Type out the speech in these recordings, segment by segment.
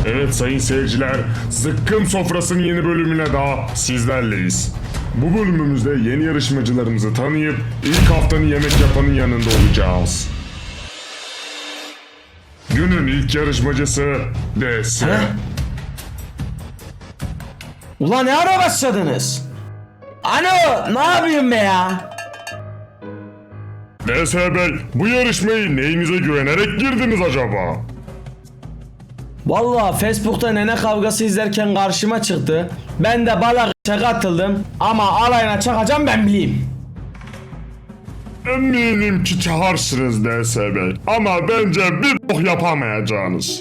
Evet sayın seyirciler, Zıkkım Sofrası'nın yeni bölümüne daha sizlerleyiz. Bu bölümümüzde yeni yarışmacılarımızı tanıyıp ilk haftanın yemek yapanın yanında olacağız. Günün ilk yarışmacısı DS. Ulan ne ara başladınız? Alo, ne yapayım be ya? DS Bey, bu yarışmayı neyinize güvenerek girdiniz acaba? Vallahi Facebook'ta nene kavgası izlerken karşıma çıktı. Ben de balakışa katıldım ama alayına çakacağım ben bileyim. Eminim ki çağırsınız DS Bey ama bence bir bok yapamayacağınız.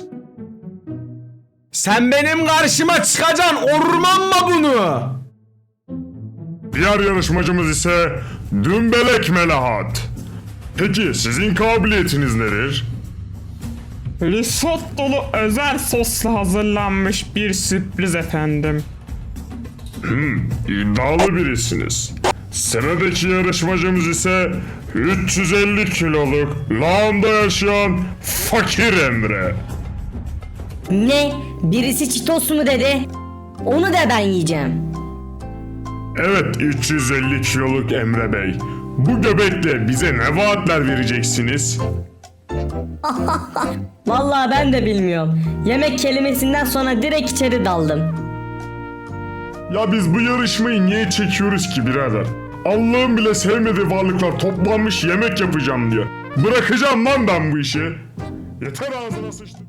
Sen benim karşıma çıkacaksın, ormanma bunu. Diğer yarışmacımız ise Dümbelek Melahat. Peki sizin kabiliyetiniz nedir? Risottolu özel sosla hazırlanmış bir sürpriz efendim. İddialı birisiniz. Sıradaki yarışmacımız ise 350 kiloluk lağımda yaşayan Fakir Emre. Ne? Birisi çitos mu dedi? Onu da ben yiyeceğim. Evet 350 kiloluk Emre Bey. Bu göbekle bize ne vaatler vereceksiniz? Vallahi ben de bilmiyorum. Yemek kelimesinden sonra direkt içeri daldım. Ya biz bu yarışmayı niye çekiyoruz ki birader? Allah'ın bile sevmediği varlıklar toplanmış yemek yapacağım diyor. Bırakacağım lan ben bu işi. Yeter ağzına sıçtım.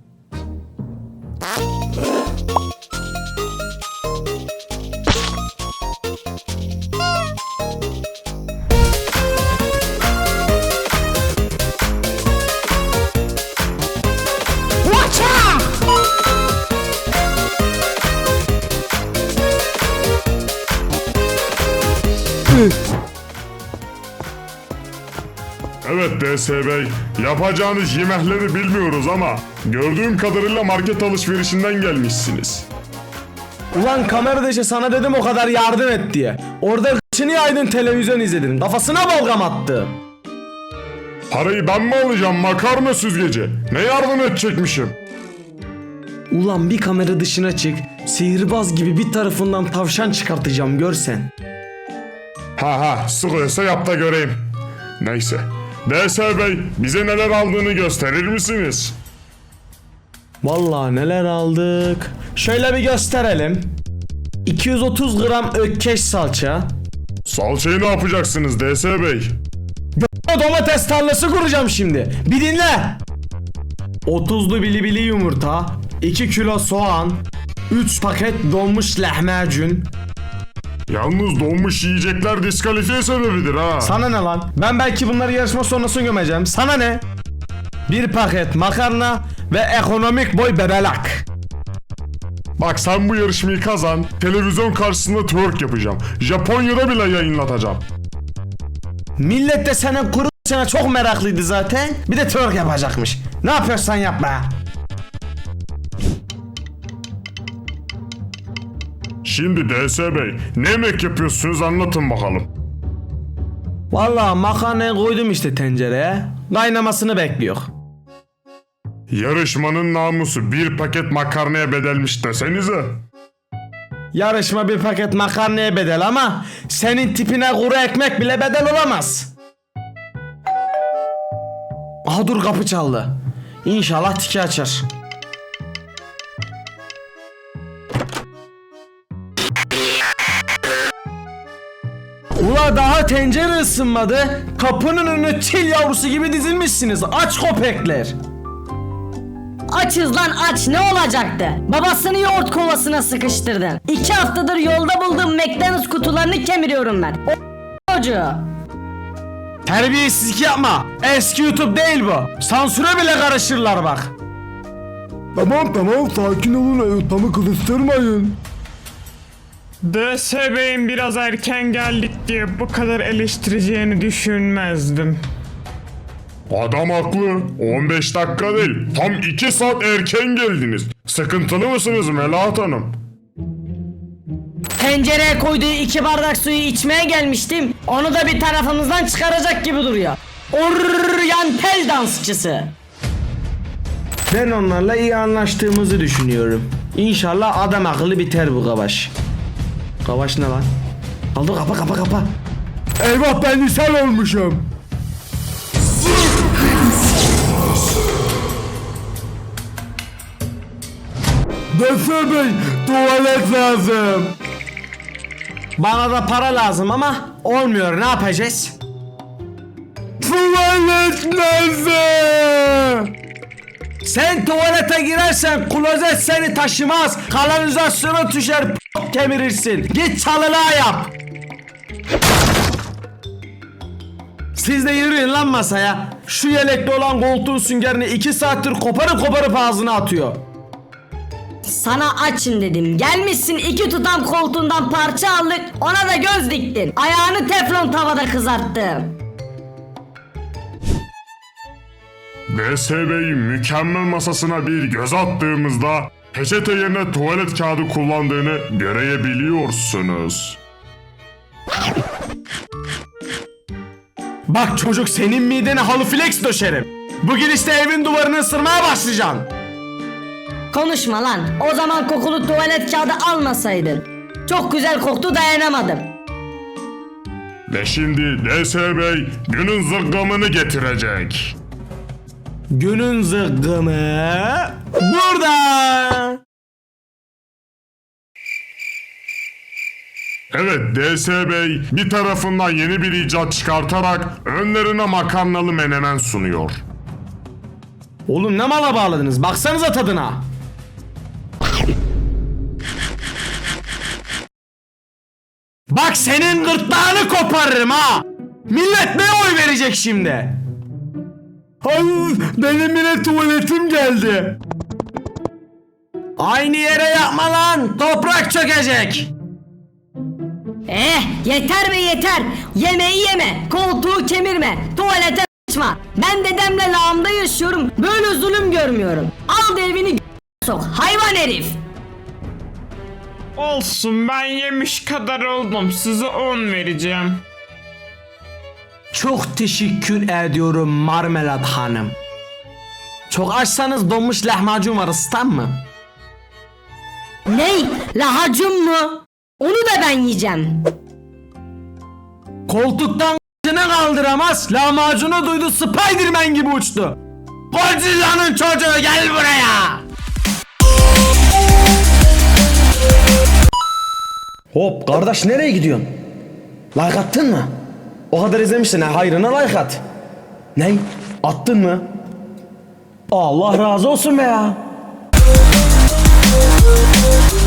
Evet DS Bey, yapacağınız yemekleri bilmiyoruz ama gördüğüm kadarıyla market alışverişinden gelmişsiniz. Ulan kameradaki sana dedim o kadar yardım et diye. Orada kıçını yaydın, televizyon izledin. Kafasına balgam attı. Parayı ben mi alacağım makarna süzgeci? Ne yardım edecekmişim? Ulan bir kamera dışına çık. Sihirbaz gibi bir tarafından tavşan çıkartacağım görsen. Ha sıkıyorsa yap da göreyim. Neyse. DS Bey, bize neler aldığını gösterir misiniz? Vallahi neler aldık. Şöyle bir gösterelim. 230 gram ökkeş salça. Salçayı ne yapacaksınız DS Bey? Domates tarlası kuracağım şimdi. Bir dinle. 30'lu bilibili yumurta, 2 kilo soğan, 3 paket donmuş lahmacun. Yalnız donmuş yiyecekler diskalifiye sebebidir ha. Sana ne lan? Ben belki bunları yarışma sonrası gömeceğim. Sana ne? 1 paket makarna ve ekonomik boy bebelak. Bak sen bu yarışmayı kazan, televizyon karşısında twerk yapacağım. Japonya'da bile yayınlatacağım. Millet de senin kuru sana çok meraklıydı zaten. Bir de twerk yapacakmış. Ne yapıyorsan yap be. Şimdi DS Bey, ne yemek yapıyorsunuz anlatın bakalım. Vallahi makarnayı koydum işte tencereye. Kaynamasını bekliyor. Yarışmanın namusu bir paket makarnaya bedelmiş desenize. Yarışma bir paket makarnaya bedel ama senin tipine kuru ekmek bile bedel olamaz. Aha dur, kapı çaldı. İnşallah tiki açar. Ula daha tencere ısınmadı. Kapının önüne çil yavrusu gibi dizilmişsiniz. Aç köpekler. Açız lan aç, ne olacaktı? Babasını yoğurt kovasına sıkıştırdın. 2 haftadır yolda bulduğum McDonald's kutularını kemiriyorum ben. O çocuğu. Terbiyesizlik yapma. Eski YouTube değil bu. Sansüre bile karışırlar bak. Tamam sakin olun, ortamı kızıştırmayın. DS Bey'in biraz erken geldik diye bu kadar eleştireceğini düşünmezdim. Adam haklı. 15 dakika değil. Tam 2 saat erken geldiniz. Sıkıntılı mısınız Melahat Hanım? Tencereye koyduğu 2 bardak suyu içmeye gelmiştim. Onu da bir tarafımızdan çıkaracak gibi duruyor. Oryantal dansçısı. Ben onlarla iyi anlaştığımızı düşünüyorum. İnşallah adam akıllı biter bu Kavaş. Kavaş ne lan? Aldı kapa. Eyvah ben ishal olmuşum. Doktor bey tuvalet lazım. Bana da para lazım ama olmuyor, ne yapacağız? Tuvalet lazım. Sen tuvalete girersen klozet seni taşımaz. Kanalizasyona düşer kemirirsin. Git çalılığa yap. Siz de yürüyün lan masaya. Şu yelekli olan koltuğun süngerini 2 saattir koparıp ağzına atıyor. Sana açın dedim. Gelmişsin 2 tutam koltuğundan parça aldık. Ona da göz diktin. Ayağını teflon tavada kızarttım. DSB'yi mükemmel masasına bir göz attığımızda peçete yerine tuvalet kağıdı kullandığını görebiliyorsunuz. Bak çocuk, senin midene halı flex döşerim. Bugün işte evin duvarını ısırmaya başlayacaksın. Konuşma lan. O zaman kokulu tuvalet kağıdı almasaydın. Çok güzel koktu, dayanamadım. Ve şimdi DSB günün zırgamını getirecek. Günün zıkkımı burada. Evet, DSB bir tarafından yeni bir icat çıkartarak önlerine makarnalı menemen sunuyor. Oğlum ne mala bağladınız? Baksanıza tadına. Bak senin gırtlağını koparırım ha. Millet ne oy verecek şimdi? Ay benim yine tuvaletim geldi. Aynı yere yapma lan. Toprak çökecek. Yeter be yeter. Yemeği yeme. Koltuğu kemirme. Tuvalete açma. Ben dedemle lağımda yaşıyorum. Böyle zulüm görmüyorum. Al da evini sok. Hayvan herif. Olsun, ben yemiş kadar oldum. Size 10 vereceğim. Çok teşekkür ediyorum Marmelat Hanım. Çok açsanız donmuş lahmacun var, ısıtan mı? Ney? Lahacım mı? Onu da ben yiyeceğim. Koltuktan k***ını kaldıramaz. Lahmacunu duydu, Spiderman gibi uçtu. Godzilla'nın çocuğu gel buraya. Hop kardeş, nereye gidiyorsun? Like attın mı? O kadar izlemişsin ha, hayrına like at. Ney? Attın mı? Allah razı olsun be ya.